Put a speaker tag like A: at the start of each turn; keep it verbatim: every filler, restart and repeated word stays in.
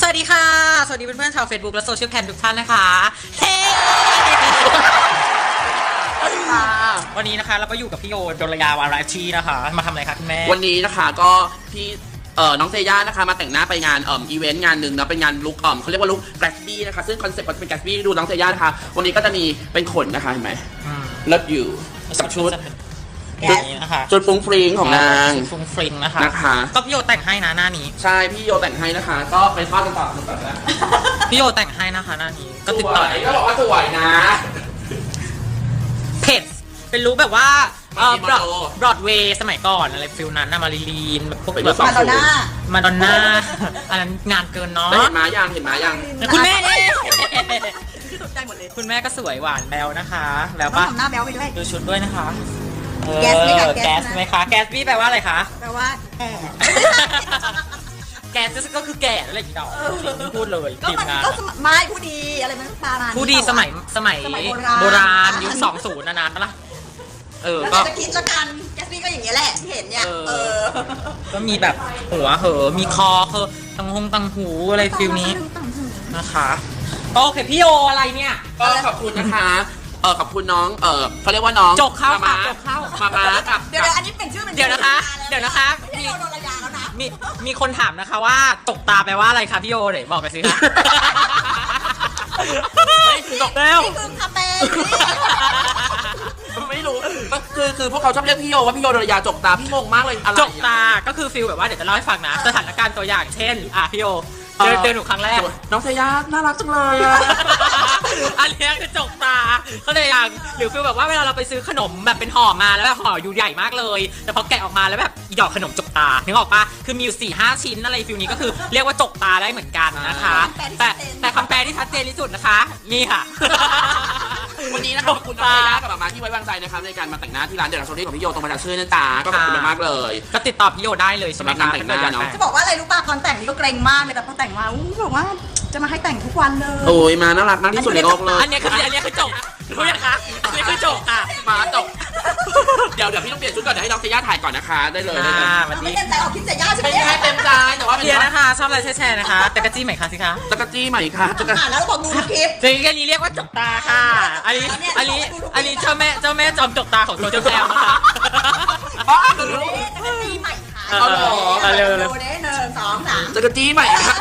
A: วัสดีค่ะสวัสดีเพื่อนๆชาว Facebook และโซเชียลแคมทุกท่านนะคะเฮ้วันนี้นะคะเราก็อยู่กับพี่โยดลยาวาราชีนะคะมาทำอะไรคะคุณแม่
B: วันนี้นะคะก็พี่เอ่อน้องเซย่านะคะมาแต่งหน้าไปงานเอ่ออีเวนต์งานหนึ่งนะเป็นงานลุคเอ่อเขาเรียกว่าลุคแกรสบี้นะคะซึ่งคอนเซ็ปต์ก็จะเป็นแกรสบี้ดูน้องเซย่านะคะวันนี้ก็จะมีเป็นขนนะคะเห็นไหมเลิศอยู่กับชุด
A: ชุดนี้นะคะ
B: ชุดฟุ้งฟริ้งของนาง
A: ฟุ้งฟริ้งนะคะ
B: นะคะ
A: ก็พี่โยแต่งให้นะหน้านี้
B: ใช่พี่โยแต่งให้นะคะก็ไปทอดกันต่อกันต่อแล้ว
A: พี่โยแต่งให้นะคะหน้านี้ก็ติดต่อ
B: ก็บอกว่าสวยนะ
A: เพจเป็นรู้แบบว่าเออบรอดบรอดเวย์สมัยก่อนอะไรฟิลนั้นนะมารีลีนแบบพวกแบบ
C: มาดอนน่า
A: มาดอนน่าอันนั้นงานเกินเนาะ
B: เห็นมายังเห็นมายัง
A: คุณแม่เนี่ย
C: ได้หมดเลย
A: คุณแม่ก็สวยหวานแบวนะคะแล้ว
C: ก็ทำหน้าแบวไปด้วย
A: ดูชุดด้วยนะคะ
C: แก๊สไหมคะ
A: แก๊สไหมคะแก๊สพี่แปลว่าอะไรคะ
C: แปลว่าแก่
A: แก๊สก็คือแก่อะไรอย่างเงี้ยพูดเลย
C: ก็มันก็ไม่ผู้ดีอะไรมันปามา
A: ผู้ดีสมัยสมัยโบราณยุคสองศูนย์นานๆปะล่ะเออ
C: ก็จะคิดละกันแก๊สนี่ก็อย่างเงี้ยแหละที่เห็นเนี่ยเออ
A: ก็มีแบบหัวเหอมีคอเหอตังหงตังหูอะไรฟิลนี้นะคะโอเคพี่โออะไรเนี่ย
B: ก็ขอบคุณนะคะเออขอบคุณน้องเออเขาเรียกว่าน้อง
A: จกเข้ามาจกเข้า
B: มามากับ
C: เดี๋ยวอันนี้เป็นชื่อเป็น
A: เดี๋ยวนะคะเดี๋ยวนะคะ
C: มีโดนระยาแล้วนะ
A: มีมีคนถามนะคะว่าตกตาแปลว่าอะไรคะพี่โอเดี๋ยวบอกไปสิคะ
B: ตกแล้ว
C: นี่คือคาเฟ่
B: ไม่รู้คือคือพวกเขาชอบเรียกพี่โยว่าพี่โยโดนยาจกตาพี่งงมากเลยอะไร
A: จกตาก็คือฟิลแบบว่าเดี๋ยวจะเล่าให้ฟังนะสถานการณ์ตัวอย่างเช่นอ่ะพี่โอเดินเดินหนูครั้งแรก
B: น้องเซย่าน่ารักจังเลยอ่ะ
A: อันนี้คือจกตาเขาเลยอย่างหรือฟิลแบบว่าเวลาเราไปซื้อขนมแบบเป็นห่อมาแล้วแบบห่ออยู่ใหญ่มากเลยแต่พอแกะออกมาแล้วแบบอีดอกขนมจกตานึกออกปะคือมีอยู่สี่ห้าชิ้นอะไรฟิลนี้ก็คือเรียกว่าจกตาได้เหมือนกันนะคะแต่แต่คำแปลที่ชัดเจนที่สุดนะคะนี่ค่ะ
B: วันนี้นะครับขอบคุณน้องเซย่ากับมาที่ไว้วางใจนะครับในการมาแต่งหน้าที่ร้านเดลโซลี่ของพี่โยตรงมาจากชื่อนั่นตาก็ขอบคุณมากเลย
A: ก็ติดต่อพี่โยได้เลยสำหรับการแต่งหน้าเนาะ
C: จะบอกว่าอะไรรู้ป่ะตอนแต่งนี่ก็เกรงมากเลยแต่พอแต่งมาอู้บอกว่าจะมาให้แต่งทุกวันเลย
B: โอ้ยมาน่ารักมากที่สุดในโลกเลย
A: อันนี้คืออันนี้คือจบรู้ยังคะอันนี้คือจบค่ะ
B: มาจบเดี๋ยวเดี๋ยวพี่ต้องเปลี่ยนชุดก่อนเดี๋ยวให้น้องเซย่าถ่ายก่อนนะคะได้เลย
C: ไม่เต็มใจออกคิดเซย่าใช่ไหม
B: ไม่เต็มใจแต่ว่า
A: เพียนะคะชอบอะไรแช่ๆนะคะแต่กระจี้ใหม่ค่ะสิคะ
B: ตะกะจี้ใหม่ค่ะ
C: จะอ่านแล้วบอกดูคลิป
A: จริงอันนี้เรียกว่าจกตาค่ะอันนี้อันนี้อันนี้เจ้าแม่เจ้าแม่จอมจกตาของโซเชียลแคมนะคะ
C: อ๋อจะกระจี้ใหม่ค่ะ
A: เอาหรอเอาเร็วๆ
C: ดูเด้หนึ่งสองสาม
B: ตะกะจี้ใหม่ค่ะ